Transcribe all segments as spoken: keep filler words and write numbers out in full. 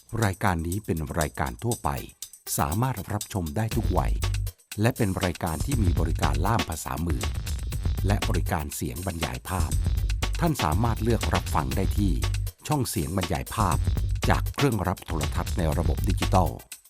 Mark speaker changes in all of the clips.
Speaker 1: รายการนี้เป็นรายการทั่วไปสามารถรับชมได้ทุกวัยและเป็นรายการที่มีบริการล่ามภาษามือและบริการเสียงบรรยายภาพท่านสามารถเลือกรับฟังได้ที่ช่องเสียงบรรยายภาพจากเครื่องรับโทรทัศน์ในระบบดิจิตอล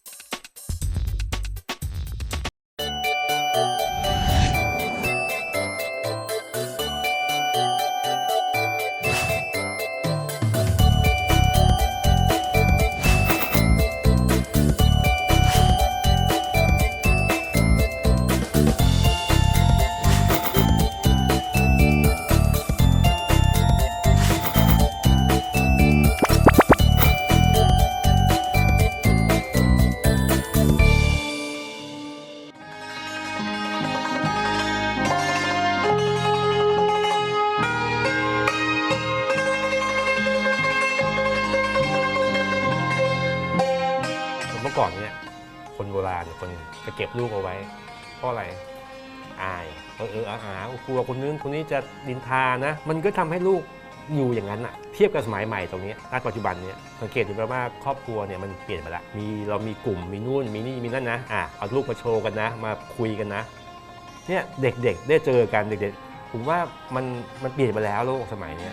Speaker 2: เมื่อก่อนเนี่ยคนโบราณคนจะเก็บลูกเอาไว้เพราะอะไรอายเออเอออาหากลัวคนนึงคนนี้จะดินทานะมันก็ทำให้ลูกอยู่อย่างนั้นอะเทียบกับสมัยใหม่ตรงนี้ณปัจจุบันเนี่ยสังเกตดูไหมว่าครอบครัวเนี่ยมันเปลี่ยนไปละมีเรามีกลุ่มมีนู่นมีนี่มีนั่นนะอ่ะเอาลูกมาโชว์กันนะมาคุยกันนะเนี่ยเด็กๆได้เจอกันเด็กๆผมว่ามันมันเปลี่ยนไปแล้วโลกสมัยนี้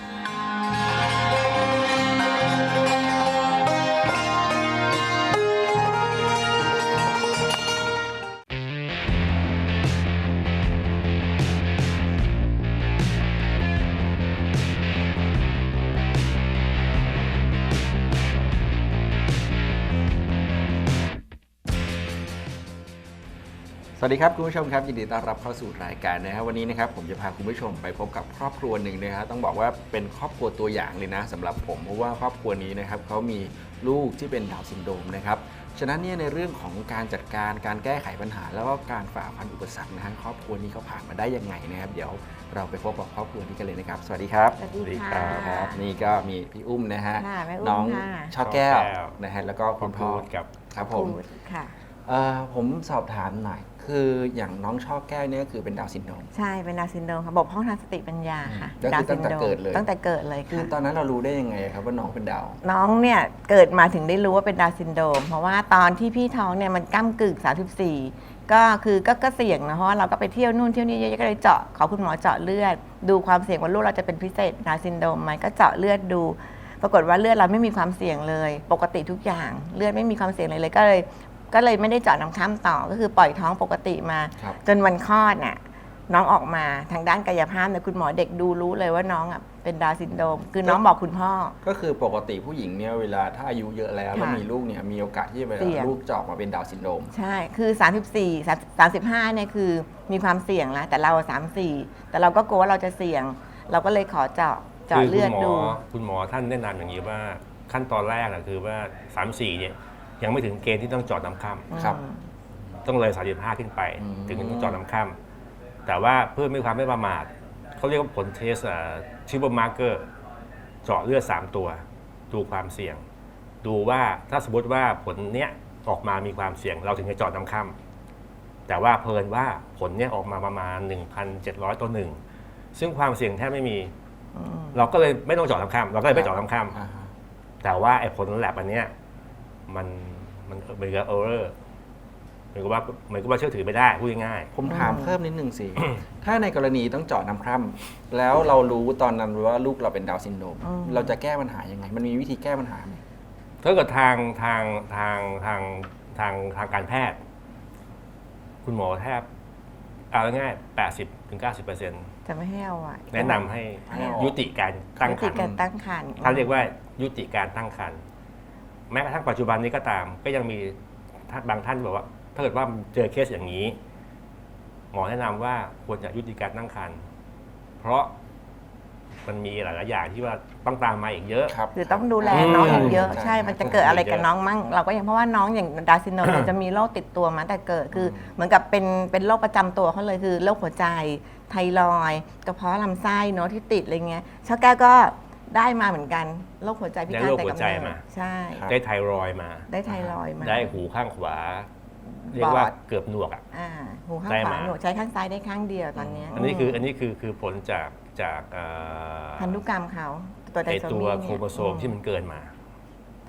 Speaker 3: สวัสดีครับคุณผู้ชมครับยินดีต้อนรับเข้าสู่รายการนะครับวันนี้นะครับผมจะพาคุณผู้ชมไปพบกับครอบครัวหนึ่งนะครับต้องบอกว่าเป็นครอบครัวตัวอย่างเลยนะสำหรับผมเพราะว่าครอบครัวนี้นะครับเขามีลูกที่เป็นดาวน์ซินโดรมนะครับฉะนั้นเนี่ยในเรื่องของการจัดการการแก้ไขปัญหาแล้วก็การฝ่าฟันอุปสรรคนะฮะครอบครัวนี้เขาผ่านมาได้ยังไงนะครับเดี๋ยวเราไปพบกับครอบครัวนี้กันเลยนะครับสวัสดีครับ
Speaker 4: สวัสดีค่ะ
Speaker 3: ครับนี่ก็มีพี่อุ้มนะฮะ
Speaker 4: ค่ะแม่อุ้ม
Speaker 3: น้อง
Speaker 4: ค่ะ
Speaker 3: ช่อแก้ว
Speaker 2: ช่อแก้ว
Speaker 3: นะฮะแล้วก็คุณพ่อ
Speaker 2: กับ
Speaker 3: ครับผม
Speaker 4: พูดค่ะ
Speaker 3: เอ่อผมสอบถามหน่อยคืออย่างน้องช่อแก้วเนี่ยคือเป็นดาวน์ซินโดรม
Speaker 4: ใช่เป็นดาวน์ซินโดรมค่ะบกพร่องทางสติปัญญาค่ะ
Speaker 3: ก็คือตั้งแต่เกิดเลย
Speaker 4: ตั้งแต่เกิดเลย
Speaker 3: คือ
Speaker 4: ค่ะ
Speaker 3: ตอนนั้นเรารู้ได้ยังไงครับว่าน้องเป็นดาวน์
Speaker 4: น้องเนี่ยเกิดมาถึงได้รู้ว่าเป็นดาวน์ซินโดรมเพราะว่าตอนที่พี่ท้องเนี่ยมันก้ำกึ่งสามสิบสี่ก็คือก็ก็เสี่ยงนะเพราะว่าเราก็ไปเที่ยวนู่นเที่ยวนี่เยอะๆก็เลยเจาะขอคุณหมอเจาะเลือดดูความเสี่ยงว่าลูกเราจะเป็นพิเศษดาวน์ซินโดรมไหมก็เจาะเลือดดู ปรากฏว่าเลือดเราไม่มีความเสี่ยงเลย ปกติทุกอย่างเลือดไม่มีความเสี่ยงเลยเลยก็เลยก็เลยไม่ได้เจาะน้ำข้ามต่อก็คือปล่อยท้องปกติมา
Speaker 3: ครับ
Speaker 4: จนวันคลอดน่ะน้องออกมาทางด้านกายภาพเนี่ยคุณหมอเด็กดูรู้เลยว่าน้องอ่ะเป็นดาวน์ซินโดรมคือน้องบอกคุณพ่อ
Speaker 3: ก็คือปกติผู้หญิงเนี่ยเวลาถ้าอายุเยอะแล้วแล้ว
Speaker 4: ค่ะ
Speaker 3: มีลูกเนี่ยมีโอกาสที่จะ
Speaker 4: เสี่ยง
Speaker 3: ลูกจะออกมาเป็นดาวน์ซินโดรม
Speaker 4: ใช่คือสามสิบสี่ สามสิบห้าเนี่ยคือมีความเสี่ยงแล้วแต่เราสามสิบสี่แต่เราก็กลัวว่าเราจะเสี่ยง เราก็เลยขอเจาะเจาะ
Speaker 2: คือ
Speaker 4: เลื
Speaker 2: คุ
Speaker 4: อด
Speaker 2: ณหมอ
Speaker 4: ดู
Speaker 2: คุณหมอท่านแนะนำอย่างนี้ว่าขั้นตอนแรกนะคือว่าสามสี่เนี่ยยังไม่ถึงเกณฑ์ที่ต้องเจอดน้ำค่
Speaker 3: ครับ
Speaker 2: ำต้องเลยสามสิบห้าขึ้นไป
Speaker 3: อืม
Speaker 2: ถึงต้องเจอดน้ำค่ำแต่ว่าเพื่อไม่ความไม่ประมาทเขาเรียกว่าผลเทสชิปมาร์เกอร์เจาะเลือดสามตัว ดูความเสี่ยง ดูว่าถ้าสมมติว่าผลเนี้ยออกมามีความเสี่ยง เราถึงจะเจอดน้ำค่ำแต่ว่าเพลินว่าผลเนี้ยออกมาประมาณ หนึ่งพันเจ็ดร้อย ต่อหนึ่งซึ่งความเสี่ยงแทบไม่มี
Speaker 4: อืม
Speaker 2: เราก็เลยไม่ต้องเจาะน้ำค่ำเราก็เลยไม่เจาะน้ำค่
Speaker 3: อ่าฮะ
Speaker 2: ำแต่ว่าไอ้ผลแลบอันเนี้ยมันมันเหมือนกับเออร์เรอร์เหมือนกับว่าเหมือนกับว่าเชื่อถือไม่ได้พูดง่าย
Speaker 3: ผมถามเพิ่มนิดนึงสิ ถ้าในกรณีต้องเจาะน้ำคร่ำแล้วเรารู้ตอนนั้นว่าลูกเราเป็นดาวน์ซินโดรม
Speaker 4: อืม
Speaker 3: เราจะแก้ปัญหายังไง มันมีวิธีแก้ปัญหาไหม
Speaker 2: ๆถ้าเกิดทางทางทางทางทางทางการแพทย์ คุณหมอแทบเอาง่ายๆ แปดสิบถึงเก้าสิบเปอร์เซ็นต์
Speaker 4: จะไม่ให้เอาไว้
Speaker 2: แนะนำให้
Speaker 4: ให้เอา
Speaker 2: ยุติการตั้ง
Speaker 4: วิ
Speaker 2: ค
Speaker 4: ธี
Speaker 2: รร
Speaker 4: การ
Speaker 2: ภ์
Speaker 4: ตั้งครรภ์
Speaker 2: ท่านเรียกว่ายุติการตั้งครรภ์แม้กระทั่งปัจจุบันนี้ก็ตาม ก็ยังมีท่านบางท่านบอกว่า ถ้าเกิดว่าเจอเคสอย่างนี้ หมอแนะนำว่าควรจะยุติการตั้งครรภ์เพราะมันมีหลายๆอย่างที่ว่าต้องตามมาอีกเยอะ
Speaker 3: ครับ
Speaker 4: คือต้องดูแลน้องอีกเยอะ
Speaker 3: ใช่
Speaker 4: ใช่ มันจะเกิดอะไรกับน้องมั่งเราก็ยังเพราะว่าน้องอย่างดาวน์ซินโดรมเนี่ยจะมีโรคติดตัวมาแต่เกิดคือเหมือนกับเป็นเป็นโรคประจำตัวเขาเลยคือโรคหัวใจไทรอยด์กระเพาะลำไส้เนาะที่ติดอะไรเงี้ยช่อแก้วก็ได้มาเหมือนกันโรคหัวใจพิการ
Speaker 2: ได้โรค
Speaker 4: แต่
Speaker 2: หัว
Speaker 4: กำ
Speaker 2: ใจ
Speaker 4: เนิด
Speaker 2: มา
Speaker 4: ใช่
Speaker 3: ครับ
Speaker 2: ได้ไทรอยด์มา
Speaker 4: ได้ไทรอยด์มา
Speaker 2: ได้หูข้างขวา เรียกว่า
Speaker 4: บอด
Speaker 2: เกือบหนวกอ่ะ
Speaker 4: อ่าหูข้าง
Speaker 2: ได้
Speaker 4: ขวา
Speaker 2: มา
Speaker 4: หนูใช้ข้างซ้ายได้ข้างเดียวตอนเนี้ย
Speaker 2: อันนี้คืออันนี้คือคือผลจากจากเอ่อ
Speaker 4: พันธุกรรมเขาตัวได
Speaker 2: ไอ
Speaker 4: โซ
Speaker 2: ตัว
Speaker 4: มี
Speaker 2: โครโมโซมที่มันเกินมา
Speaker 4: ท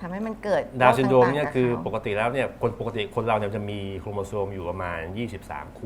Speaker 4: ทำให้มันเกิด
Speaker 2: ดาวน์ซินโดรมเนี่ย
Speaker 4: โรต่างๆ
Speaker 2: คือ
Speaker 4: กับ
Speaker 2: ป
Speaker 4: เขา
Speaker 2: กติแล้วเนี่ยคนปกติคนเราเนี่ยจะมีโครโมโซมอยู่ประมาณยี่สิบสามคู่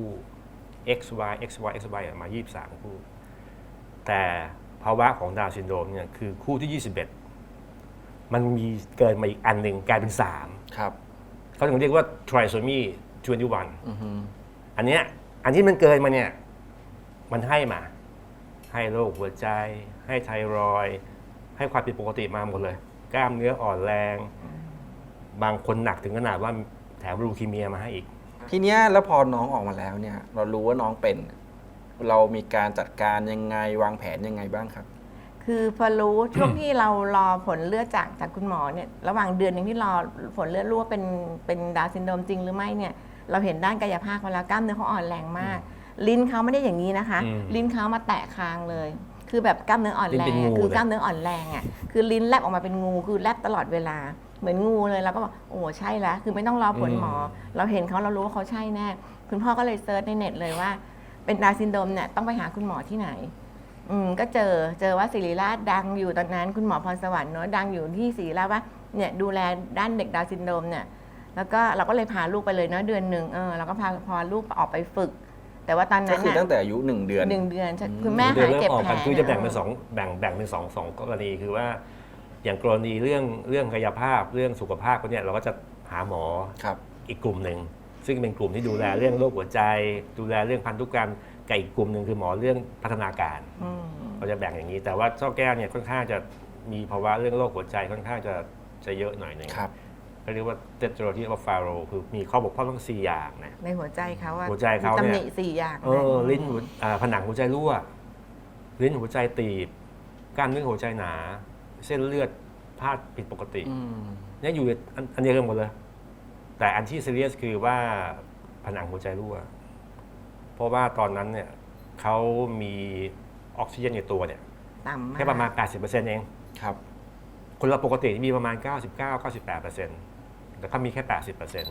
Speaker 2: X Y X Y X Y มายี่สิบสามคู่ แต่ภาวะของดาวน์ซินโดรมเนี่ยคือคู่ที่ยี่สิบเอ็ดมันมีเกินมาอีกอันหนึ่งกลายเป็นสาม
Speaker 3: ครับ
Speaker 2: เขาถึงเรียกว่า trisomy ยี่สิบเอ็ด
Speaker 3: อือฮึ
Speaker 2: อันเนี้ยอันที่มันเกินมาเนี่ยมันให้มา ให้โรคหัวใจ ให้ไทรอยด์ให้ความผิดปกติมาหมดเลย กล้ามเนื้ออ่อนแรง บางคนหนักถึงขนาดว่าแถมลูคีเมียมาให้อีก
Speaker 3: ทีเนี้ยแล้วพอน้องออกมาแล้วเนี่ย เรารู้ว่าน้องเป็น เรามีการจัดการยังไงวางแผนยังไงบ้างครับ
Speaker 4: คือพอรู้ ช่วงที่เรารอผลเลือดจากจากคุณหมอเนี่ยระหว่างเดือนหนึ่งที่รอผลเลือดรู้ว่าเป็นเป็นดาวน์ซินโดรมจริงหรือไม่เนี่ยเราเห็นด้านกายภาพเขาแล้วกล้ามเนื้อเขาอ่อนแรงมาก ลิ้นเขาไม่ได้อย่างนี้นะคะ
Speaker 2: อืม
Speaker 4: ลิ้นเขามาแตะคางเลย คือแบบกล้ามเนื้ออ่อนแร
Speaker 2: ลิ้นเป็น
Speaker 4: ง
Speaker 2: งู
Speaker 4: อะคือ
Speaker 2: เลย
Speaker 4: กล้ามเนื้ออ่อนแรงอ่ะคือลิ้นแลบออกมาเป็นงูคือแลบตลอดเวลาเหมือนงูเลยเราก็บอกโอ้ใช่แล้วคือไม่ต้องรอผลหมอ เราเห็นเขาเรารู้ว่าเขาใช่แน่คุณพ่อก็เลยเซิร์ชในเน็ตเลยว่าเป็นดาวน์ซินโดรมเนี่ยต้องไปหาคุณหมอที่ไหน อืมก็เจอเจอว่าศิริราชดังอยู่ตอนนั้นคุณหมอพรสวรรค์เนอะดังอยู่ที่ศิริราชว่าเนี่ยดูแลด้านเด็กดาวน์ซินโดรมเนี่ยแล้วก็เราก็เลยพาลูกไปเลยเนาะเดือนหนึ่งเออเราก็พาพาลูกออกไปฝึก แต่ว่าตอน
Speaker 3: ก็
Speaker 4: นั้น
Speaker 3: คือ
Speaker 4: น่ะ
Speaker 3: ตั้งแต่อายุหนึ่งเดือน
Speaker 4: หนึ่งเดือนใช่
Speaker 3: อืม
Speaker 4: คุณแม่
Speaker 2: เดือ
Speaker 4: หาน ย
Speaker 2: เริ่ม
Speaker 4: เจ็บ
Speaker 2: ออก
Speaker 4: แผล
Speaker 2: กันคือจะแบ่งเป็น
Speaker 4: ย
Speaker 2: สองแบ่งแบ่งเป็นสองสองกรณีคือว่า อย่างกรณีเรื่องเรื่องกายภาพเรื่องสุขภาพพวกเนี่ยเราก็จะหาหมอ
Speaker 3: ครับ
Speaker 2: อีกกลุ่มหนึ่งซึ่งเป็นกลุ่มที่ดูแลเรื่องโรคหัวใจ ดูแลเรื่องพันธุกรรมกับอีกกลุ่มหนึ่งคือหมอเรื่องพัฒนาการ
Speaker 4: อืม
Speaker 2: เราจะแบ่งอย่างนี้ แต่ว่าเจ้าแก้วเนี่ยค่อนข้างจะมีภาวะเรื่องโรคหัวใจค่อนข้างจะจะเยอะหน่อยหนึง
Speaker 3: ครับ
Speaker 2: เขาเรียกว่าเตโตรที่ว่าฟาโรคือมีข้อบกพร่องทั้งสี่อย่างนะ
Speaker 4: ในหัวใจเขาอะ
Speaker 2: หัวใจเขาเนี่ย
Speaker 4: มีตำหนิสี่อย่าง
Speaker 2: เออลิ้นหัวอ่าผนังหัวใจรั่ว ลิ้นหัวใจตีบกล้ามเนื้อหัวใจหนา เส้นเลือดพาดผิดปกติ
Speaker 3: อืม
Speaker 2: เนี่ยอยู่อันอันเดียวกันหมดเลย แต่อันที่ซีเรียสคือว่าผนังหัวใจรั่ว เพราะว่าตอนนั้นเนี่ยเขามีออกซิเจนในตัวเนี่ย
Speaker 4: ต่ำมาก
Speaker 2: แค่ประมาณ แปดสิบเปอร์เซ็นต์ เอง
Speaker 3: ครับ
Speaker 2: คนเราปกติมีประมาณ เก้าสิบเก้า เก้าสิบแปดเปอร์เซ็นต์ แต่เขามีแค่ แปดสิบเปอร์เซ็นต์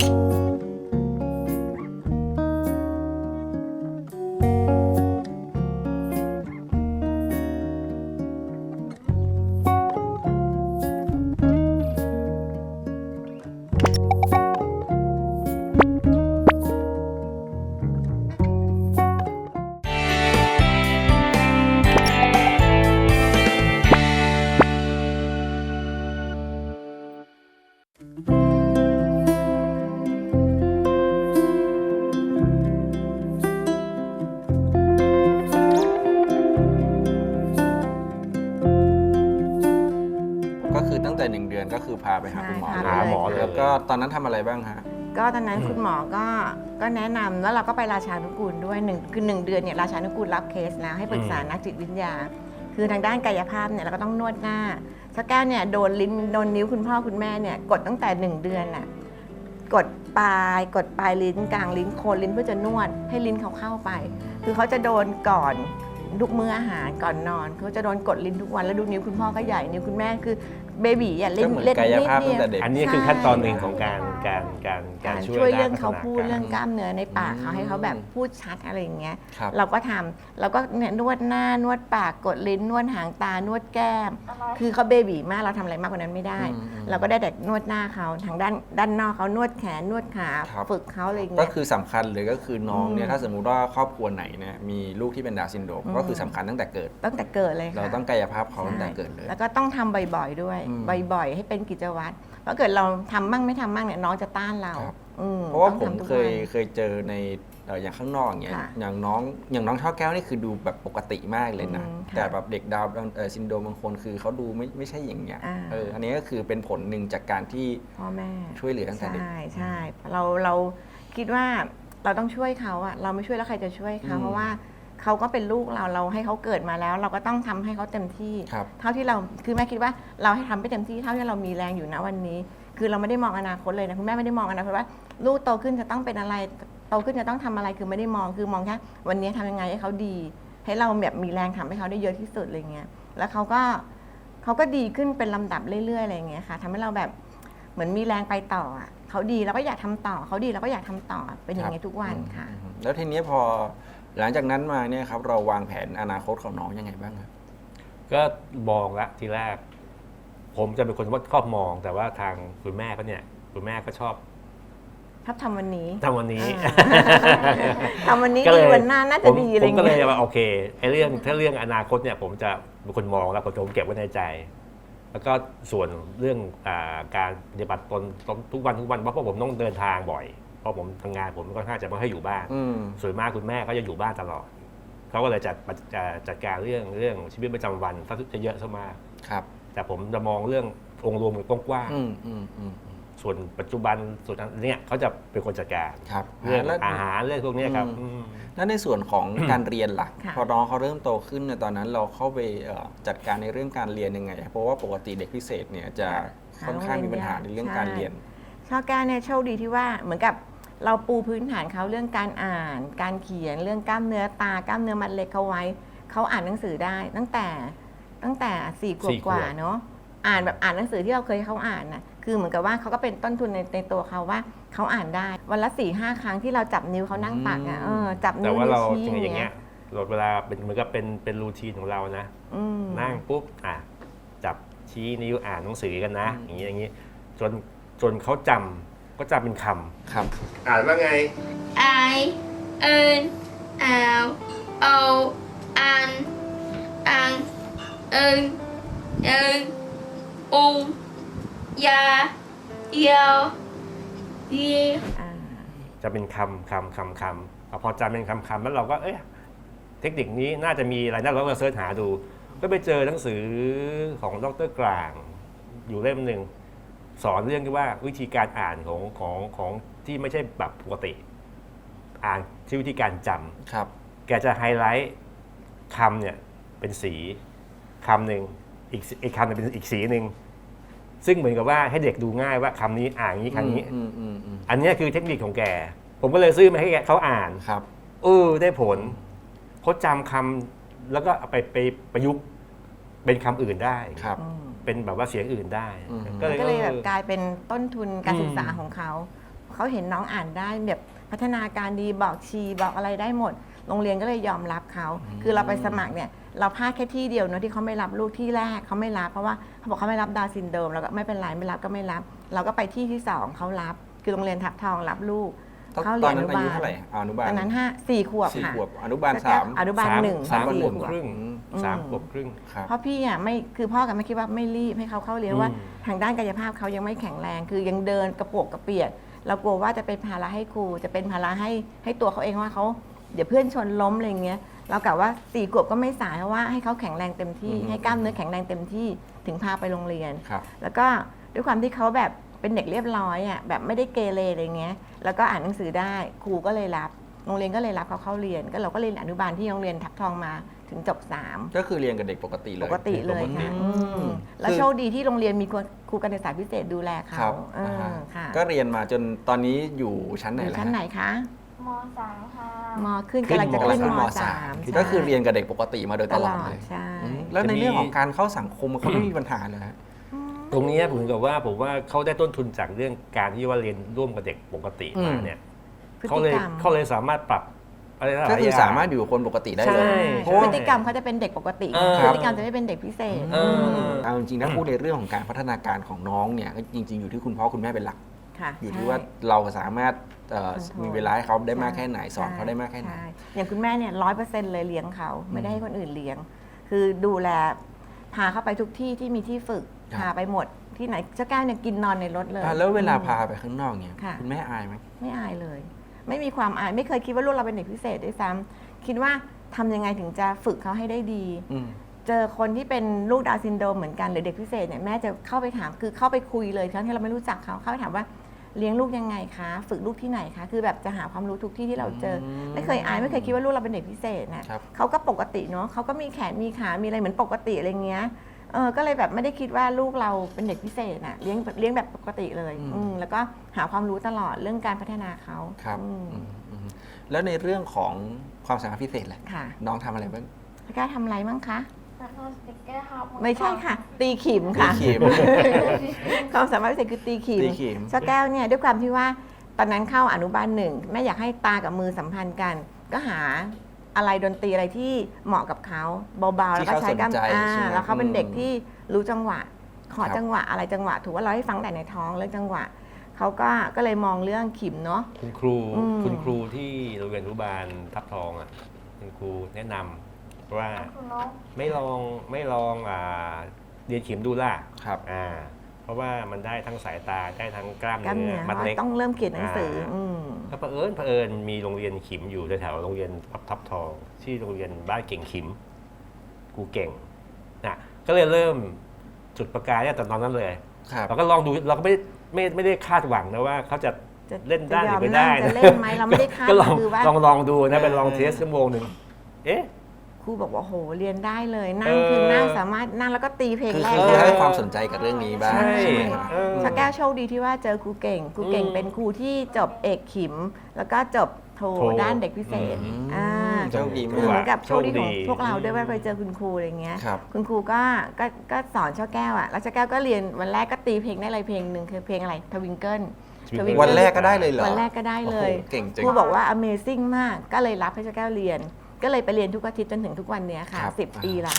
Speaker 3: ก็คือตั้งแต่หนึ่งเดือนก็คือพาไปหาคุณหมอ
Speaker 4: ใช่
Speaker 3: เลย
Speaker 2: หาหมอเลย
Speaker 3: แล้วก็ตอนนั้นทำอะไรบ้างฮะ
Speaker 4: ก็ตอนนั้นคุณหมอก็ก็แนะนำแล้วเราก็ไปราชานุกูลด้วยหนึ่งคือหนึ่งเดือนเนี่ยราชานุกูลรับเคสแล้วให้ปรึกษานักจิตวิทยา คือทางด้านกายภาพเนี่ยเราก็ต้องนวดหน้าสักแก้วเนี่ยโดนลิ้นโดนนิ้วคุณพ่อคุณแม่เนี่ยกดตั้งแต่หนึ่งเดือนน่ะกดปลายกดปลายลิ้นกลางลิ้นโคนลิ้นเพื่อจะนวดให้ลิ้นเขาเข้าไป คือเขาจะโดนก่อนทุกมื้ออาหารก่อนนอนเขาจะโดนกดลิ้นทุกวันแล้วดูนิ้วคุณพ่อก็ใหญ่นิ้วคุณแม่คือเบบีอ่ะ
Speaker 3: ก็
Speaker 4: เล่น
Speaker 3: เหมือน
Speaker 4: เล่น
Speaker 3: กาย
Speaker 4: นิด
Speaker 3: ภาพ
Speaker 4: เดี
Speaker 3: ตั้ง
Speaker 4: ยว
Speaker 3: แต่เด็ก
Speaker 2: อันนี้คือขั้นตอนหนึ่งของการการการการ
Speaker 4: การ
Speaker 2: ช่วย
Speaker 4: ช่วย
Speaker 2: ด้า
Speaker 4: เรื่อน ง
Speaker 2: พัฒ
Speaker 4: เขา
Speaker 2: นา
Speaker 4: พูด
Speaker 2: การ
Speaker 4: เรื่องกล้ามเนื้อในปากเขาให้เขาแบบพูดชัดอะไรอย่างเงี้ย
Speaker 3: ครับ
Speaker 4: เราก็ทำเราก็เนี่ยนวดหน้านวดปากกดลิ้นนวดหางตานวดแก้ม คือเขาเบบีมากเราทำอะไรมากกว่านั้นไม่ได้
Speaker 3: อืมอืม
Speaker 4: เราก็ได้แต่นวดหน้าเขาทางด้านด้านนอกเขานวดแขนนวดขา
Speaker 3: ครับ
Speaker 4: ฝึกเขาอะไรอย่าง
Speaker 3: ก็
Speaker 4: เงี้ย
Speaker 3: คือสำคัญเลยก็คือน้องเนี่ย
Speaker 4: อืม
Speaker 3: ถ้าสมมุติว่าครอบครัวไหนเนี่ยมีลูกที่เป็นดาวน์ซินโดรม
Speaker 4: อืม
Speaker 3: ก็คือสำคัญตั้งแต่เกิด
Speaker 4: ตั้งแต่เกิดเลยค่ะ
Speaker 3: เราต้องกายภาพเขาตั้งแต่เกิดเลย
Speaker 4: แล้วก็ต้องทำบ่อยๆด้วย
Speaker 3: อืม
Speaker 4: บ่อยๆ ให้เป็นกิจวัตรเพราะเกิดเราทำมั่งไม่ทำมั่งเนี่ยน้องจะต้านเรา
Speaker 3: ครับ
Speaker 4: อืม
Speaker 3: เพราะว่า
Speaker 4: ต้อง
Speaker 3: ผม
Speaker 4: ทำทุก
Speaker 3: เคย
Speaker 4: วัน
Speaker 3: เคยเจอในเอ่ออย่างข้างนอกอย่างเงี้ย
Speaker 4: ค่ะ
Speaker 3: อย่างน้องอย่างน้องช่อแก้วนี่คือดูแบบปกติมากเลยนะ
Speaker 4: อืมค่ะ
Speaker 3: แต่แบบเด็กดาวน์เอ่อซินโดรมบางคนคือเขาดูไม่ไม่ใช่อย่างเงี้ย
Speaker 4: อ่า
Speaker 3: เอออันนี้ก็คือเป็นผลหนึ่งจากการที่
Speaker 4: พ่อแม่
Speaker 3: ช่วยเหลือตั้งแต่เด็ก
Speaker 4: ใช่ใช่เราเราคิดว่าเราต้องช่วยเขาอะเราไม่ช่วยแล้วใครจะช่วยเขา
Speaker 3: อืม
Speaker 4: เพราะว่าเขาก็เป็นลูกเราเราให้เขาเกิดมาแล้ว เราก็ต้องทำให้เขาเต็มที่
Speaker 3: ครับ
Speaker 4: เท่าที่เราคือแม่คิดว่าเราให้ทำไปเต็มที่เท่าที่เรามีแรงอยู่นะวันนี้ คือเราไม่ได้มองอนาคตเลยนะคุณแม่ไม่ได้มองอนาคตว่า ลูกโตขึ้นจะต้องเป็นอะไรโตขึ้นจะต้องทำอะไรคือไม่ได้มองคือมองแค่วันนี้ทำยังไงให้เขาดี ให้เราแบบมีแรงทำให้เขาได้เยอะที่สุดอะไรเงี้ยแล้วเขาก็เขาก็ดีขึ้นเป็นลำดับเรื่อยๆอะไรเงี้ยค่ะทำให้เราแบบเหมือนมีแรงไปต่ออะเขาดีเราก็อยากทำต่อเขาดีเราก็อยากทำต่อเป็นอย่างเงี้ยทุกวันค่ะ
Speaker 3: อืมแล้วทีนี้พอหลังจากนั้นมาเนี่ยครับเราวางแผนอนาคตของน้องยังไงบ้างครับ
Speaker 2: ก็บอกละทีแรก ผผมจะเป็นคนว่าชอบมอง แต่ว่าทางคุณแม่ก็เนี่ยคุณแม่ก็ชอบ
Speaker 4: ชอบทำวันนี้
Speaker 2: ทำวันนี้
Speaker 4: อ่า ทำวันนี้
Speaker 2: ก็เล
Speaker 4: ดี
Speaker 2: ย
Speaker 4: วันหน้าน่าจะ
Speaker 2: ผม
Speaker 4: ดีอะไร
Speaker 2: ผมก็เลย
Speaker 4: เงี้ย
Speaker 2: ว่าโอเคไอ้เรื่องถ้าเรื่องอนาคตเนี่ยผมจะเป็นคนมองแล้วผมเก็บไว้ในใจ แล้วก็ส่วนเรื่องอาการปฏิบัติตนทุกวันทุกวันเพราะผมต้องเดินทางบ่อยเพราะผมทำงานผมก็ค่อนข้างจะไม่ค่อยอยู่บ้าน
Speaker 3: อืม
Speaker 2: ส่วนมากคุณแม่ก็จะอยู่บ้านตลอดเขาก็เลยจัดจัดจัดการเรื่องเรื่องชีวิตประจำวันซะจะเยอะซะมาก
Speaker 3: ครับ
Speaker 2: แต่ผมจะมองเรื่ององค์รวมกว้าง
Speaker 3: อืมอืมอืม
Speaker 2: ๆส่วนปัจจุบันส่วนนั้นเนี่ยเขาจะเป็นคนจัดการ
Speaker 3: ครับ
Speaker 2: เรื่อง
Speaker 3: แล้ว
Speaker 2: อาหารเรื่องพวกเนี้ยครับ
Speaker 3: อืม
Speaker 2: อืม
Speaker 3: แล้วในส่วนของ การเรียนล่ะ
Speaker 4: ค่ะ
Speaker 3: พอน้องเขาเริ่มโตขึ้นเนี่ยตอนนั้นเราเข้าไปเอ่อจัดการในเรื่องการเรียนยังไง เพราะว่าปกติเด็กพิเศษเนี่ยจะค่อนข้างมีปัญหาในเรื่องการเรียน
Speaker 4: ช่อแก้วเนี่ยโชคดีที่ว่าเหมือนกับเราปูพื้นฐานเขาเรื่องการอ่าน การเขียนเรื่องกล้ามเนื้อตากล้ามเนื้อมัดเล็กเขาไว้เขาอ่านหนังสือได้ ตั้งแต่ตั้งแต่สี่ขว
Speaker 2: สี่
Speaker 4: บ
Speaker 2: ขวบ
Speaker 4: กว่าเนาะอ่านแบบอ่านหนังสือที่เราเคยให้เขาอ่านน่ะคือเหมือนกับว่าเขาก็เป็นต้นทุนในในตัวเขาว่าเขาอ่านได้ วันละสี่ห้าครั้งที่เราจับนิ้วเขานั่งตักอ่ะเออจับ
Speaker 2: แต่
Speaker 4: นิ้ว
Speaker 2: ว่าเรา
Speaker 4: ชี้
Speaker 2: จริงๆอย่าง
Speaker 4: เงี้
Speaker 2: เงี้
Speaker 4: ย
Speaker 2: ยเราเวลาเป็นเหมือนกับเป็นเป็นรูทีนของเรานะ
Speaker 4: อืม
Speaker 2: นั่งปุ๊บอ่ะจับชี้นิ้วอ่านหนังสือกันนะ
Speaker 3: อืม
Speaker 2: อย่างนี้อย่างนี้จนจนเขาจำก็จำเป็นค
Speaker 3: ครับ
Speaker 2: ำอ่านว่าไง
Speaker 5: I N L O N N N N O ยายาเย
Speaker 4: อ่า
Speaker 2: จะเป็นคำคำคำคำพอจำเป็นคำคำแล้วเราก็เอ๊ะเทคนิคนี้น่าจะมีอะไรน่าเราก็เสิร์ชหาดู ก็ไปเจอหนังสือของดรกลาง อยู่เล่มหนึ่งสอนเรื่องที่ว่าวิธีการอ่านของของของที่ไม่ใช่แบบปกติ อ่านที่วิธีการจำ
Speaker 3: ครับ
Speaker 2: แกจะไฮไลท์คำเนี่ยเป็นสีคำหนึ่งอีกอีกคำหนึงเป็นอีกสีหนึ่งซึ่งเหมือนกับว่าให้เด็กดูง่ายว่าคำนี้อ่านอย่างนี้คำนี้
Speaker 3: อืมอืมอืม
Speaker 2: อันเนี้ยคือเทคนิคของแก ผมก็เลยซื้อมาให้แกเขาอ่าน
Speaker 3: ครับ
Speaker 2: เออได้ผลเขาจำคำแล้วก็เอาไปไปประยุกต์เป็นคำอื่นได้
Speaker 3: ครับ
Speaker 4: อืม
Speaker 2: เป็นแบบว่าเสียงอื่นได้
Speaker 3: อืม
Speaker 2: ก็เลย
Speaker 4: ก็เลยแบบ
Speaker 2: ออก
Speaker 4: ลายเป็นต้นทุนการ
Speaker 2: อืม
Speaker 4: ศึกษาของเขา เขาเห็นน้องอ่านได้แบบพัฒนาการดีบอกชีบอกอะไรได้หมด โรงเรียนก็เลยยอมรับเขา คือเราไปสมัครเนี่ยเราพลาดแค่ที่เดียวเนอะที่เขาไม่รับลูกที่แรกเขาไม่รับเพราะว่าเขาบอกเขาไม่รับดาวน์ซินโดรมแล้วก็ไม่เป็นไรไม่รับก็ไม่รับ เราก็ไปที่ที่สองเขารับ คือโรงเรียนทับทองรับลูก
Speaker 3: ตอน
Speaker 4: เขา
Speaker 3: ต
Speaker 4: เรี
Speaker 3: อย น
Speaker 4: นอ
Speaker 3: นั้
Speaker 4: นุ
Speaker 3: นอา
Speaker 4: บา
Speaker 3: ยุ
Speaker 4: ล
Speaker 3: เท่าไหร่อนุบาล
Speaker 4: ตอนนั้นห้าสี่ขวบ
Speaker 3: สี่
Speaker 4: ค่ะ
Speaker 3: ขวบอนุบาลสาม
Speaker 4: อนุบาล
Speaker 2: สาม
Speaker 4: หนึ่ง
Speaker 2: สาม
Speaker 4: สี่
Speaker 2: ขวบ
Speaker 4: ขวบ
Speaker 2: ครึ่ง
Speaker 3: อืม
Speaker 4: อืม
Speaker 2: สามขวบครึ่ง
Speaker 3: ครับ
Speaker 4: เพราะพี่อ่ะไม่คือพ่อกับแม่คิดว่าไม่รีบให้เขาเข้าเรียน
Speaker 2: อืม
Speaker 4: ว่าทางด้านกายภาพเขายังไม่แข็งแรง คือยังเดินกระโปกกระเปียกเรากลัวว่าจะเป็นภาระให้ครูจะเป็นภาระให้ให้ตัวเขาเองว่าเขาเดี๋ยวเพื่อนชนล้มอะไรเงี้ยเรากะว่าสี่ขวบก็ไม่สายเพราะว่าให้เขาแข็งแรงเต็มที่
Speaker 3: อืม
Speaker 4: ให้กล้ามเนื้อแข็งแรงเต็มที่ถึงพาไปโรงเรียน
Speaker 3: ครับ
Speaker 4: แล้วก็ด้วยความที่เขาแบบเป็นเด็กเรียบร้อยอ่ะแบบไม่ได้เกเรอะไรเงี้ยแล้วก็อ่านหนังสือได้ครูก็เลยรับโรงเรียนก็เลยรับเขาเข้าเรียน ก็เราก็เรียนอนุบาลที่โรงเรียนทับทองมาถึงจบสาม
Speaker 3: ก็คือเรียนกับเด็กปกติเลย
Speaker 4: ปกติเลยค่ะ
Speaker 3: อื
Speaker 4: อื
Speaker 3: ม
Speaker 4: มแล้วโชคดีที่โรงเรียนมีครูการศึกษาพิเศษดูแล
Speaker 3: ครั
Speaker 4: เขา
Speaker 3: บ
Speaker 4: เอ
Speaker 3: อ่า
Speaker 4: อ
Speaker 3: ฮะ
Speaker 4: ค่ะ
Speaker 3: ก็เรียนมาจนตอนนี้อยู่ชั้นไหน
Speaker 4: อยู่
Speaker 3: แล้ว
Speaker 4: ชั้นไหนคะ
Speaker 5: มสามค่ะ
Speaker 4: มขึ้น
Speaker 2: ขึ้น
Speaker 4: กำลังจะ
Speaker 2: ม
Speaker 4: ขึ้น
Speaker 3: ขึ้น
Speaker 4: ม
Speaker 3: ม
Speaker 4: สา
Speaker 3: สาม
Speaker 4: ม
Speaker 3: ก็คือเรียนกับเด็กปกติมาโดยต
Speaker 4: ต
Speaker 3: ล
Speaker 4: ล
Speaker 3: อ
Speaker 4: อ
Speaker 3: ด
Speaker 4: ด
Speaker 3: เลย
Speaker 4: ใช่
Speaker 3: อืมแล้วในเรื่องของการเข้าสังคมเขาไม่มีปัญหาเลยฮะ
Speaker 2: ตรงเนี้ยผมกับว่าผมว่าเขาได้ต้นทุนจากเรื่องการที่ว่าเรียนร่วมกับเด็กปกติมาเนี่ย
Speaker 4: พฤ
Speaker 2: เขา
Speaker 4: ติ
Speaker 2: เลย
Speaker 4: กรรม
Speaker 2: เขาเลยสามารถปรับอะไรหลายๆ
Speaker 3: ก็คือ
Speaker 2: อย่าง
Speaker 3: สามารถอยู่กับคนปกติได้เลย
Speaker 2: ใช่
Speaker 3: เพราะว่า
Speaker 4: พฤติกรรมเขาจะเป็นเด็กปกติ
Speaker 2: เออ
Speaker 4: พฤติกรรมจะไม่เป็นเด็กพิเศษ
Speaker 2: เออ
Speaker 3: เอาจริงๆถ้าพูดในเรื่องของการพัฒนาการของน้องเนี่ยก็จริง ๆ อยู่ที่คุณพ่อคุณแม่เป็นหลัก
Speaker 4: ค่ะ
Speaker 3: อยู่ที่
Speaker 4: ใช่
Speaker 3: ว่าเราสามารถเอ่อ
Speaker 4: Control
Speaker 3: มีเวลาให้เขาได้มากแค่ไหนสอน
Speaker 4: ใช่
Speaker 3: เขาได้มากแค่ไหน
Speaker 4: ใช่อย่างคุณแม่เนี่ยร้อยเปอร์เซ็นต์เลยเลี้ยงเขาไม่ได้ให้คนอื่นเลี้ยง คือดูแลพาเขาไปทุกที่ที่มีที่ฝึก
Speaker 3: ครับ
Speaker 4: พาไปหมดที่ไหนเจ้าแก้วเนี่ยกินนอนในรถเลย
Speaker 3: อ่ะแล้วเวลา
Speaker 4: อืม
Speaker 3: พาไปข้างนอกเนี่ย
Speaker 4: ค่ะ
Speaker 3: คุณแม่อายไหม
Speaker 4: ไม่อายเลย ไม่มีความอายไม่เคยคิดว่าลูกเราเป็นเด็กพิเศษด้วยซ้ำคิดว่าทำยังไงถึงจะฝึกเขาให้ได้ดี
Speaker 3: อืม
Speaker 4: เจอคนที่เป็นลูกดาวน์ซินโดรมเหมือนกันหรือเด็กพิเศษเนี่ยแม่จะเข้าไปถามคือเข้าไปคุยเลยทั้งที่เราไม่รู้จักเขาเข้าไปถามว่าเลี้ยงลูกยังไงคะฝึกลูกที่ไหนคะคือแบบจะหาความรู้ทุกที่ที่เราเจออ
Speaker 3: ม
Speaker 4: ไม่เคยอายไม่เคยคิดว่าลูกเราเป็นเด็กพิเศษนะครับ เขาก็ปกติเนาะเขาก็มีแขนมีขามีอะไรเหมือนปกติอะไรเงี้ยเออก็เลยแบบไม่ได้คิดว่าลูกเราเป็นเด็กพิเศษน่ะเลี้ยงเลี้ยงแบบปกติเลย
Speaker 3: อืม
Speaker 4: อืมแล้วก็หาความรู้ตลอดเรื่องการพัฒนาเขา
Speaker 3: ครับ
Speaker 4: อืม
Speaker 3: อืมอืมแล้วในเรื่องของความสามารถพิเศษแหละ
Speaker 4: ค่ะ
Speaker 3: น้องทำอะไรบ้าง
Speaker 4: พี่ก้าทำอะไรบ้างคะ
Speaker 5: แล้วก็สติกเกอร์ครับ
Speaker 4: ไม่ใช่ค่ะ ตีขิมค่ะ
Speaker 3: ตีขิม
Speaker 4: ความสามารถพิเศษคือตีขิม
Speaker 3: ตีขิม
Speaker 4: ช่อแก้วเนี่ยด้วยความที่ว่าตอนนั้นเข้าอนุบาลหนึ่งแม่อยากให้ตากับมือสัมพันธ์กัน ก็หาอะไรดนตรีอะไรที่เหมาะกับเขาเบาๆแล้วก็ใช้กล้าม
Speaker 3: ที่เขาสนใจ
Speaker 4: อ่า
Speaker 3: ใช่ไหม
Speaker 4: แล้วเขาเป็น
Speaker 3: อืม
Speaker 4: เด็กที่รู้จังหวะขอจังหวะอะไรจังหวะถูกว่าเราให้ฟังแต่ในท้องเรื่องจังหวะเขาก็ก็เลยมองเรื่องขิมเนาะ
Speaker 2: คุณครู
Speaker 4: อืม
Speaker 2: คุณครูที่โรงเรียนอนุบาลทับทองอ่ะคุณครูแนะนำว่า
Speaker 5: คุณนก
Speaker 2: ไม่ลองไม่ลองอ่าเรียนขิมดูล่ะ
Speaker 3: ครับ
Speaker 2: อ่าเพราะว่ามันได้ทั้งสายตาได้ทั้งกล้าม
Speaker 4: กล้าม
Speaker 2: เนื้
Speaker 4: เนื้
Speaker 2: อ
Speaker 4: อ
Speaker 2: มัดเล็ก
Speaker 4: ต้องเริ่มเขียนหนังสืออืม
Speaker 2: ก็เผอิญเผอิญมีโรงเรียนขิมอยู่แถวๆโรงเรียนทับทับทองที่โรงเรียนบ้านเก่งขิมครูเก่งนะก็เลยเริ่มจุดประกายเนี่ยตอนนั้นเลย
Speaker 3: ครับ
Speaker 2: เราก็ลองดูเราก็ไม่ไม่ไม่ได้คาดหวังนะว่าเขาจะ
Speaker 4: จะ
Speaker 2: เล่นได้ห
Speaker 4: จะย
Speaker 2: รือ อไม่
Speaker 4: นั่
Speaker 2: ได้
Speaker 4: งจะเล่นไหมเราไม่ได้คาด
Speaker 2: ก็ลอง
Speaker 4: คือว่า
Speaker 2: ลองลองดูนะเป็นลอง
Speaker 3: เออ
Speaker 2: เทสชั่วโมงหนึ่งเอ๊ะ
Speaker 4: ครูบอกว่าโหเรียนได้เลยนั่ง
Speaker 2: เออ
Speaker 4: คือนั่งสามารถนั่งแล้วก็ตีเพลง
Speaker 3: คือ
Speaker 4: แรก
Speaker 3: คือ
Speaker 4: ได้
Speaker 3: ให้ความสนใจกับเรื่องนี้บ้าง
Speaker 2: ใช่
Speaker 3: ใช่ไหมครับ
Speaker 2: เออ
Speaker 4: ชาแก้วโชคดีที่ว่าเจอครูเก่งครูเก่ง
Speaker 2: อืม
Speaker 4: เป็นครูที่จบเอกขิม แล้วก็จบโท
Speaker 2: โท
Speaker 4: ด้านเด็กพิเศษ
Speaker 3: อืม
Speaker 4: อ่า
Speaker 3: โชคดี
Speaker 4: คือเหมือนกับโชคดีของ
Speaker 2: โชคดี
Speaker 4: พวกเราด้วยว่าไปเจอคุณครูอะไรเงี้ย
Speaker 3: ครับ
Speaker 4: คุณครูก็ก็ก็สอนช่อแก้วอ่ะแล้วช่อแก้วก็เรียนวันแรกก็ตีเพลงได้อะไรเพลงหนึ่งคือเพลงอะไรทวิงเกิล Twinkle
Speaker 3: วันแรกก็ได้เลยเหรอ
Speaker 4: วันแรกก็ได้เลย
Speaker 3: โอ้โหเก่งจัง
Speaker 4: ครูบอกว่า Amazing มากก็เลยรับให้ช่อแก้วเรียน ก็เลยไปเรียนทุกอาทิตย์จนถึงทุกวันเนี้ยค่ะ
Speaker 3: ครับ
Speaker 4: สิบปีละ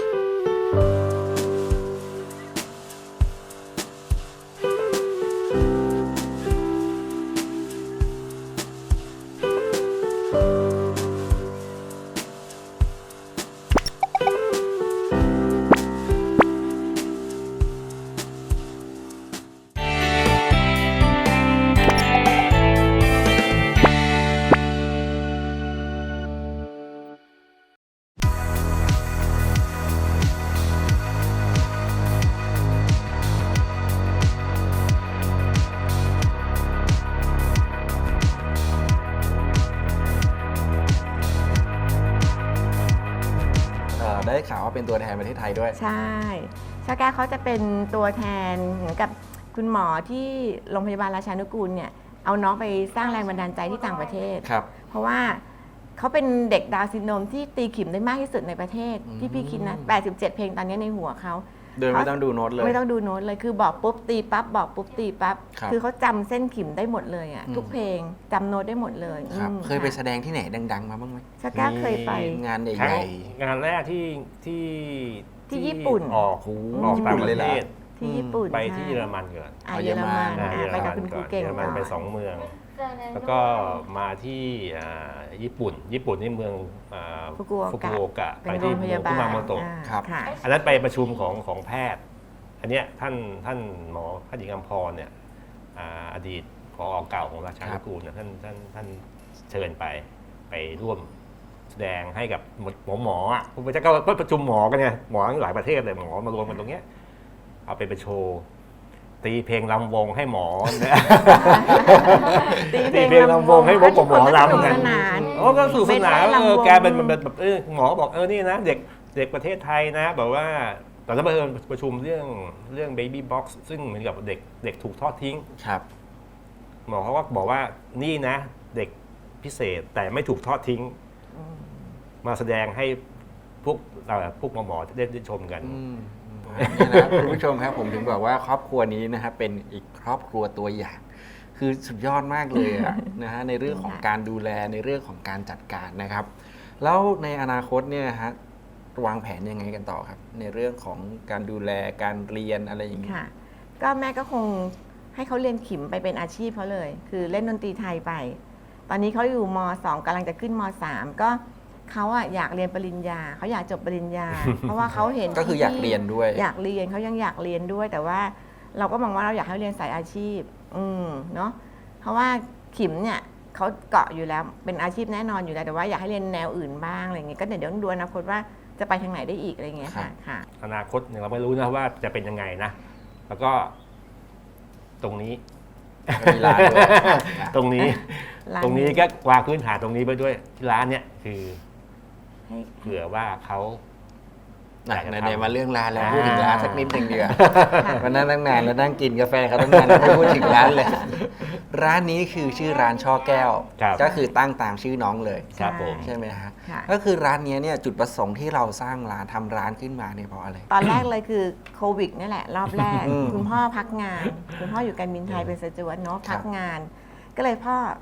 Speaker 3: เอ่อได้ข่าวว่าเป็นตัวแทนประเทศไทยด้วย
Speaker 4: ใช่ชาแก้วเขาจะเป็นตัวแทนเหมือนกับคุณหมอที่โรงพยาบาลราชานุกูลเนี่ยเอาน้องไปสร้างแรงบันดาลใจที่ต่างประเทศ
Speaker 3: ครับ
Speaker 4: เพราะว่าเขาเป็นเด็กดาวน์ซินโดรมที่ตีขิมได้มากที่สุดในประเทศ
Speaker 3: อืม
Speaker 4: ที่พี่คิดนะแปดสิบเจ็ดเพลงตอนนี้ในหัวเขา
Speaker 3: โดยไม่ต้องดูโน้ตเลย
Speaker 4: ไม่ต้องดูโน้ตเลยคือบอกปุ๊บตีปั๊บบอกปุ๊บตีปั๊บ
Speaker 3: ครับ
Speaker 4: คือเขาจำเส้นขิมได้หมดเลยอ่ะ
Speaker 3: อืม
Speaker 4: ทุกเพลงจำโน้ตได้หมดเลย
Speaker 3: ครับ
Speaker 4: อืม
Speaker 3: เคยไปแส
Speaker 4: ค่ะ
Speaker 3: ดงที่ไหนดัง ๆ มาบ้างไหม
Speaker 4: ชาแก้วเคยไป
Speaker 3: งานให
Speaker 2: ครั้ง
Speaker 3: ญ่
Speaker 2: งานแรกที่ที่
Speaker 4: ที่ญี่ปุ่น
Speaker 2: ออก
Speaker 3: โอ้โห
Speaker 2: ออกต่างประ
Speaker 3: ญี่ปุ่นเลยเหร
Speaker 2: เท
Speaker 3: อ
Speaker 2: ศ
Speaker 4: ที่ญี่ปุ่น
Speaker 2: ไปที่
Speaker 4: ใช่
Speaker 2: เยอรมันก่อน
Speaker 4: อ่ะ
Speaker 3: อ๋อ
Speaker 4: เยอรมัน
Speaker 3: เยอรมัน
Speaker 2: อ่า
Speaker 4: อ่ะ
Speaker 2: เยอร
Speaker 4: ไป
Speaker 2: มั
Speaker 4: กับ
Speaker 2: น
Speaker 4: คุณค
Speaker 2: ก่
Speaker 4: รู
Speaker 2: อน
Speaker 4: เก่ง
Speaker 2: เยอรมันไป
Speaker 4: ก่อน
Speaker 2: สองเมือง
Speaker 5: เจอใน
Speaker 2: แล้วก็มาที่อ่าญี่ปุ่น ญี่ปุ่นนี่เมืองอ่า
Speaker 4: ฟุกุโอกะ
Speaker 2: โอกะ
Speaker 4: เป็
Speaker 2: ไป
Speaker 4: นโร
Speaker 2: ที่
Speaker 4: งพ
Speaker 2: เมือย
Speaker 4: าง บา
Speaker 2: คุ
Speaker 4: ล
Speaker 2: มาโมโตะ
Speaker 4: อ่า
Speaker 3: ครับ
Speaker 4: ค่ะ
Speaker 2: อันนั้นไปประชุมของของแพทย์ อันเนี้ยท่านท่านหมอแพทย์หญิงอำพรเนี่ยอ่าอดีตผอเก่าของราชานุกูลเนี่ยท่านท่านท่านเชิญไปไปร่วมแสดงให้กับหมอหมออ่ะผมจะก็ประชุมหมอกันไงหมอหลายประเทศเลยหมอมารวมกันตรงเนี้ยเอาไปไปโชว์ตีเพลงลำวงให้หมอเนี่ย ตีเพลงลำวงให้พวกหมอรำกัน
Speaker 4: สนาน
Speaker 2: โอ้ก็สนุกสนาน
Speaker 4: เป็นไว้
Speaker 2: เออ
Speaker 4: ลำวง
Speaker 2: แกเป็นแบบแบบเออหมอบอกเออนี่นะเด็กเด็กประเทศไทยนะแบบว่าตอนนั้นเอิญประชุมเรื่องเรื่อง baby box ซึ่งเหมือนกับเด็กเด็กถูกทอดทิ้ง
Speaker 3: ครับ
Speaker 2: หมอเขาก็บอกว่านี่นะ เด็กพิเศษแต่ไม่ถูกทอดทิ้ง มาแสดงให้พวกเอ่อพวกหมอหมอได้ได้ชมกัน
Speaker 3: อืมนี่นะคุณผู้ชมครับผมถึงบอกว่าครอบครัวนี้นะครับเป็นอีกครอบครัวตัวอย่าง คือสุดยอดมากเลยอะ นะฮะในเรื่องของการดูแลในเรื่องของการจัดการนะครับ แล้วในอนาคตเนี่ยฮะวางแผนยังไงกันต่อครับ ในเรื่องของการดูแลการเรียนอะไรอย่างนี้
Speaker 4: ค่ะ ก็แม่ก็คงให้เขาเรียนขิมไปเป็นอาชีพเขาเลย คือเล่นดนตรีไทยไป ตอนนี้เขาอยู่ม สองกำลังจะขึ้นม สามก็เขาอะอยากเรียนปริญญาเขาอยากจบปริญญา เพราะว่าเขาเห็น
Speaker 3: ก็คืออยากเรียนด้วย
Speaker 4: อยากเรียนเขายังอยากเรียนด้วย แต่ว่าเราก็มองว่าเราอยากให้เรียนสายอาชีพ อืมเนาะเพราะว่าขิมเนี่ยเขาเกาะอยู่แล้วเป็นอาชีพแน่นอนอยู่แล้วแต่ว่าอยากให้เรียนแนวอื่นบ้างอะไรเงี้ยก็เดี๋ยวต้องดูอนาคตว่าจะไปทางไหนได้อีกอะไรเงี้ยค่ะค่ะ
Speaker 2: อนาคตเนี่ยเราไม่รู้นะว่าจะเป็นยังไงนะ แล้วก็ตรงนี้
Speaker 3: มีร้านด้วย
Speaker 2: ตรงนี้
Speaker 4: ร้าน
Speaker 2: ตรงนี้ก็วางพื้นฐานตรงนี้ไปด้วยที่ร้านเนี่ยคือ
Speaker 4: ให้
Speaker 2: เผื่อว่าเขา
Speaker 3: ไหน
Speaker 2: อยากจะ
Speaker 3: ไหน
Speaker 2: ทำ
Speaker 3: ๆมาเรื่องร้านแล้ว
Speaker 2: อ่า
Speaker 3: พูดถึงร้านสักนิดหนึ่งดีกว่า
Speaker 4: ค่ะ
Speaker 3: วันนั้นตั้งนานแล้วนั่งกินกาแฟเขาตั้งนานไม่พูดถึงร้านเลย ร้านนี้คือชื่อร้านช่อแก้ว
Speaker 2: ครับ
Speaker 3: ก็คือตั้งตามชื่อน้องเลย
Speaker 2: ครับผม
Speaker 3: ใช่ไหมฮะ
Speaker 4: ค่ะ
Speaker 3: ก็คือร้านนี้เนี่ยจุดประสงค์ที่เราสร้างร้านทำร้านขึ้นมาเนี่ยเพราะอะไร
Speaker 4: ตอนแรกเลยคือโควิดนี่แหละ รอบแรก
Speaker 3: อืม
Speaker 4: คุณพ่อพักงาน คุณพ่ออยู่การบินไทยเป็นสจวตเนาะพักงาน ก็เลยพ่อพ่อ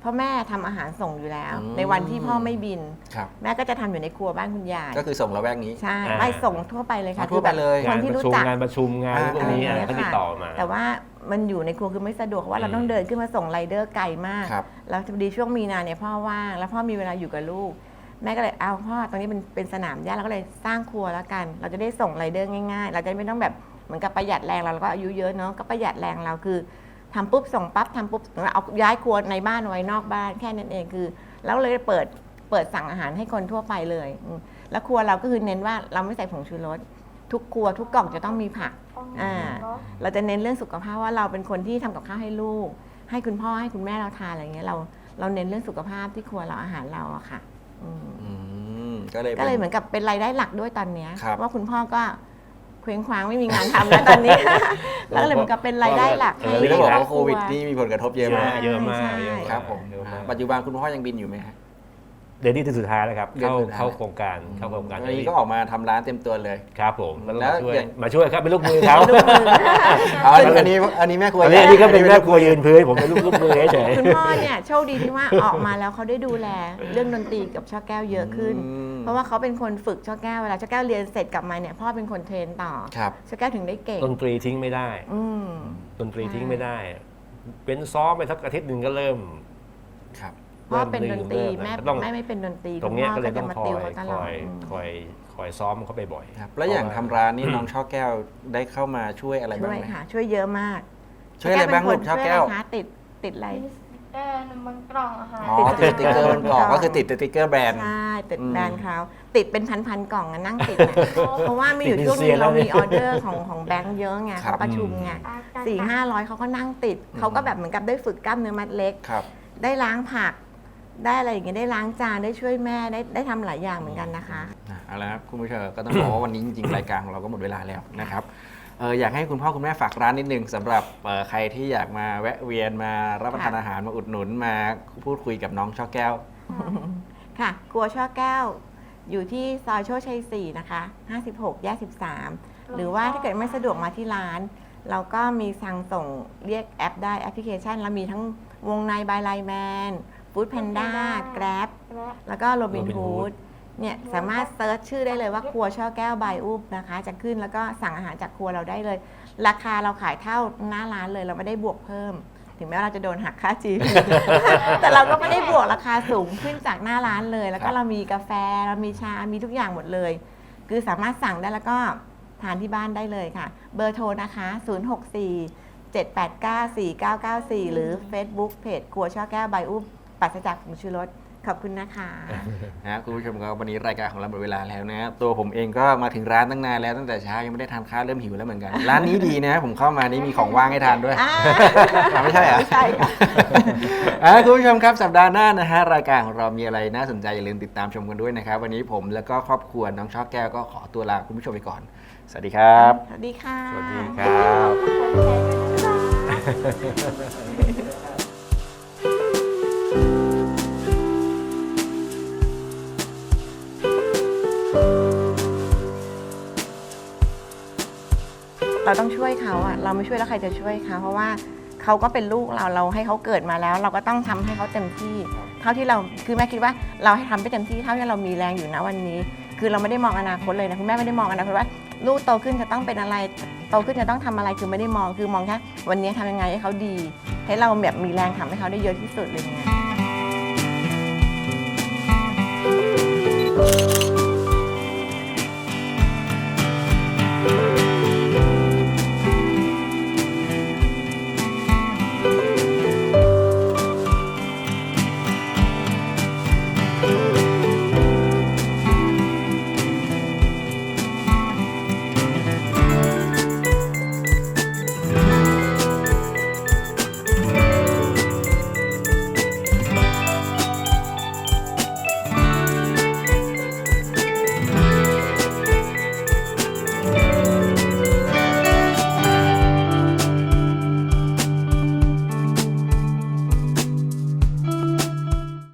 Speaker 4: ราะแม่ทำอาหารส่งอยู่แล้ว
Speaker 3: อืม
Speaker 4: ในวันที่พ่อไม่บิน
Speaker 3: ครับ
Speaker 4: แม่ก็จะทำอยู่ในครัวบ้านคุณยาย
Speaker 3: ก็คือส่งละแวกนี้
Speaker 4: ใช่
Speaker 2: อ่า
Speaker 4: ไม่ส่งทั่วไปเลยค่ะ
Speaker 3: อ๋อทั่วไปเลย
Speaker 4: คือแบบคน
Speaker 2: งาน
Speaker 4: ที่
Speaker 2: ประ
Speaker 4: รู้
Speaker 2: ชุม
Speaker 4: จัก
Speaker 2: งานประชุมงาน
Speaker 3: อ่า
Speaker 2: พวกนี้
Speaker 4: อะไรอย่างเงี้ย
Speaker 2: เขาติด
Speaker 4: ค่ะ
Speaker 2: ต่อมา
Speaker 4: แต่ว่ามันอยู่ในครัวคือไม่สะดวกเพราะว่าเรา
Speaker 2: อืม
Speaker 4: ต้องเดินขึ้นมาส่งไรเดอร์ไกลมาก
Speaker 3: ครับ
Speaker 4: แล้วพอดีช่วงมีนาเนี่ยพ่อว่างแล้วพ่อมีเวลาอยู่กับลูก แม่ก็เลยเอาพ่อตรงนี้เป็นเป็นสนามหญ้าเราก็เลยสร้างครัวแล้วกัน เราจะได้ส่งไรเดอร์ง่ายๆ เราจะไม่ต้องแบบเหมือนกับประหยัดแรงเราเราก็อายุเยอะเนาะก็ประหยัดแรงเราคือทำปุ๊บส่งปั๊บทำปุ๊บเอาย้ายครัวในบ้านไว้นอกบ้านแค่นั้นเองคือ แล้วเลยเปิดเปิดสั่งอาหารให้คนทั่วไปเลยอืมแล้วครัวเราก็คือเน้นว่าเราไม่ใส่ผงชูรสทุกครัวทุกกล่องจะต้องมีผัก อ่า เราจะเน้นเรื่องสุขภาพว่าเราเป็นคนที่ทำกับข้าวให้ลูก ให้คุณพ่อให้คุณแม่เราทานอะไรเงี้ยเราเราเน้นเรื่องสุขภาพที่ครัวเราอาหารเราอะค่ะอืม
Speaker 3: อืมก็เลย
Speaker 4: ก็เลยเห
Speaker 3: ป็น
Speaker 4: มือนกับเป็นรายได้หลักด้วยตอนเนี้ย
Speaker 3: ครับ
Speaker 4: ว่าคุณพ่อก็เคว้งคว้างไม่มีงานทำแล้วตอนนี้ แล้วก็เลยเหมือนกับเป็นรายได้หลัก
Speaker 2: เอ
Speaker 4: ให้
Speaker 2: อ
Speaker 3: นี่ต้องบอก
Speaker 4: คร
Speaker 3: ว่าโควิดนี่มีผลกระทบเยอะมาก
Speaker 2: เยอะมาก
Speaker 4: ใช่
Speaker 2: เยอะมาก
Speaker 3: ครับผม
Speaker 2: เยอะมาก
Speaker 3: ปัจจุบันคุณพ่อยังบินอยู่ไหมฮะ
Speaker 2: เดือนนี้เดือนสุดท้ายแล้วครับ
Speaker 3: เดือน
Speaker 2: เข้า
Speaker 3: สุดท้าย
Speaker 2: เข้าโครงการเข้าโครงการ
Speaker 3: วันนี้ก็ออกมาทำร้านเต็มตัวเลย
Speaker 2: ครับผมแล้วก็
Speaker 3: แล้ว
Speaker 2: มาช่วย
Speaker 3: อย่าง
Speaker 2: มาช่วยครับเป็นลูกมือเขา
Speaker 3: อ๋ออันนี้อันนี้แม่ครัว
Speaker 2: อันนี้อันนี้ก็เป็นแม่ครัวยืนพื้นผมเป็นลูกลูกมือเฉย
Speaker 4: คุณพ่อเนี่ยโชคดีที่ว่าออกมาแล้วเขาได้ดูแลเรื่องดนตรีกับช่อแก้วเยอะขึ้น
Speaker 3: อืม
Speaker 4: เพราะว่าเขาเป็นคนฝึกช่อแก้วเวลาช่อแก้วเรียนเสร็จกลับมาเนี่ยพ่อเป็นคนเทรนต่อ
Speaker 3: ครับ
Speaker 4: ช่อแก้วถึงได้เก่ง
Speaker 2: ดนตรีทิ้งไม่ได้
Speaker 4: อืม
Speaker 2: ดนตรีทิ้งไม่ได้ เป็นซ้อมไปสักอาทิตย์หนึ่งก็เริ่ม
Speaker 3: ครับ
Speaker 4: พ่อเป็นดนตรี
Speaker 2: เริ่
Speaker 4: แม่
Speaker 2: ก็ต้อง
Speaker 4: แม่ไม่เป็นดนตรี
Speaker 2: ตรงเนี้ย
Speaker 4: คุณ
Speaker 2: ก็
Speaker 4: พ่อ
Speaker 2: เลย
Speaker 4: จะ
Speaker 2: ต้อง
Speaker 4: มา
Speaker 2: คอ
Speaker 4: ติ
Speaker 2: ยว
Speaker 4: เขาต
Speaker 2: ค
Speaker 4: ลอ
Speaker 2: อ
Speaker 4: ด
Speaker 2: ย
Speaker 4: อืม
Speaker 2: คอยคอยซ้อมเขาไปบ่อย
Speaker 3: ครับ แล้วอย่างทำร้านนี่น้องช่อแก้วได้เข้ามาช่วยอะไร
Speaker 4: ช่
Speaker 3: บ้าง
Speaker 4: วย
Speaker 3: ไหม
Speaker 4: ค่ะ ช่วยเยอะมาก
Speaker 3: ช่วยอะไรบ้างลูกช่อแก้ว
Speaker 4: ช่วยอะไรคะติดติดอะไร
Speaker 5: มีสติ๊กเกอร์บนกล่องอาหาร
Speaker 3: อ๋อติดสติ๊กเกอร์บนกล่องก็คือติดสติ๊กเกอร์แบรนด์
Speaker 4: ใช่ติด
Speaker 3: อืม
Speaker 4: แบรนด์เขาติดเป็นพันๆกล่องอะนั่งติด อะเพราะว่ามีอยู่
Speaker 2: ติด
Speaker 4: ช่วง
Speaker 2: เซี
Speaker 4: นึ
Speaker 2: ยน
Speaker 4: ง
Speaker 2: แล้ว
Speaker 4: เรา
Speaker 2: เนี่ย
Speaker 4: มีออเดอร์ของของแบงค์เยอะไง
Speaker 3: ครับ
Speaker 4: เขาประชุมไงสี่ห้าร้อยเขาก็นั่งติดเขาก็แบบเหมือนกับได้ฝึกกล้ามเนื้อมัดเล็ก
Speaker 3: ครับ
Speaker 4: ได้ล้างผัก ได้อะไรอย่างเงี้ยได้ล้างจานได้ช่วยแม่ได้ได้ทำหลายอย่างเหมือนกันนะคะ
Speaker 3: นะเอาละครับคุณผู้ชมก็ต้องบอกว่าวันนี้จริงๆ รายการของเราก็หมดเวลาแล้วนะครับเอออยากให้คุณพ่อคุณแม่ฝากร้านนิดนึงสำหรับเอ่อใครที่อยากมาแวะเวียนมารับประทาน
Speaker 4: ค่ะ
Speaker 3: อาหารมาอุดหนุนมาพูดคุยกับน้องช่อแก้ว
Speaker 4: ค่ะครัวช่อแก้ว อยู่ที่ซอยโชคชัยสี่นะคะห้าสิบหกแยกสิบสามหรือว่าถ้าเกิดไม่สะดวกมาที่ร้าน เราก็มีสั่งส่งเรียกแอปได้แอปพลิเคชันแล้วมีทั้งวงในบายไลแมนฟู้ดแพนด้าแกร็บ แล้วก็โรบิน
Speaker 2: Robin
Speaker 4: ฮู
Speaker 2: Hood
Speaker 4: ดเนี่ยสามารถเซิร์ชชื่อได้เลยว่าครัวช่อแก้วบายอุบนะคะ จะขึ้นแล้วก็สั่งอาหารจากครัวเราได้เลย ราคาเราขายเท่าหน้าร้านเลยเราไม่ได้บวกเพิ่ม ถึงแม้ว่าเราจะโดนหักค่าจี แต่เราก็ไม่ได้บวกราคาสูงขึ้นจากหน้าร้านเลย แล้วก็เรามีกาแฟเรามีชา มีทุกอย่างหมดเลย คือสามารถสั่งได้แล้วก็ทานที่บ้านได้เลยค่ะ เบอร์โทรนะคะ ศูนย์ หก สี่ เจ็ด แปด เก้า สี่ เก้า เก้า สี่ หรือ Facebook เพจครัวช่อแก้วบายอุบปราศจากผงชูรสขอบคุณนะคะ
Speaker 3: นะฮะคุณผู้ชมครับวันนี้รายการของเราหมดเวลาแล้วนะฮะตัวผมเองก็มาถึงร้านตั้งนานแล้วตั้งแต่เช้ายังไม่ได้ทานข้าวเริ่มหิวแล้วเหมือนกัน ร้านนี้ดีนะผมเข้ามานี่มีของว่างให้ทานด้วย
Speaker 4: อ่า
Speaker 3: อ่ะไม่ใช่เหรอ
Speaker 4: ไม่ใช่ค่ะ
Speaker 3: อ่ะคุณผู้ชมครับสัปดาห์หน้านะฮะรายการของเรามีอะไรน่าสนใจอย่าลืมติดตามชมกันด้วยนะครับวันนี้ผมแล้วก็ครอบครัวน้องช่อแก้วก็ขอตัวลาคุณผู้ชมไปก่อน สวัสดีครับ
Speaker 4: สวัสดีค่ะ
Speaker 2: สวัสดีครับ
Speaker 4: เราต้องช่วยเขาอะเราไม่ช่วยแล้วใครจะช่วยเขาเพราะว่าเขาก็เป็นลูกเราเราให้เขาเกิดมาแล้ว เราก็ต้องทำให้เขาเต็มที่ เท่าที่เราคือแม่คิดว่าเราให้ทำไปเต็มที่เท่าที่เรามีแรงอยู่นะวันนี้ คือเราไม่ได้มองอนาคตเลยนะคุณแม่ไม่ได้มองอนาคตว่าลูกโตขึ้นจะต้องเป็นอะไรโตขึ้นจะต้องทำอะไรคือไม่ได้มองคือมองแค่วันนี้ทำยังไงให้เขาดี ให้เราแบบมีแรงทำให้เขาได้เยอะที่สุดอะไรเงี้ย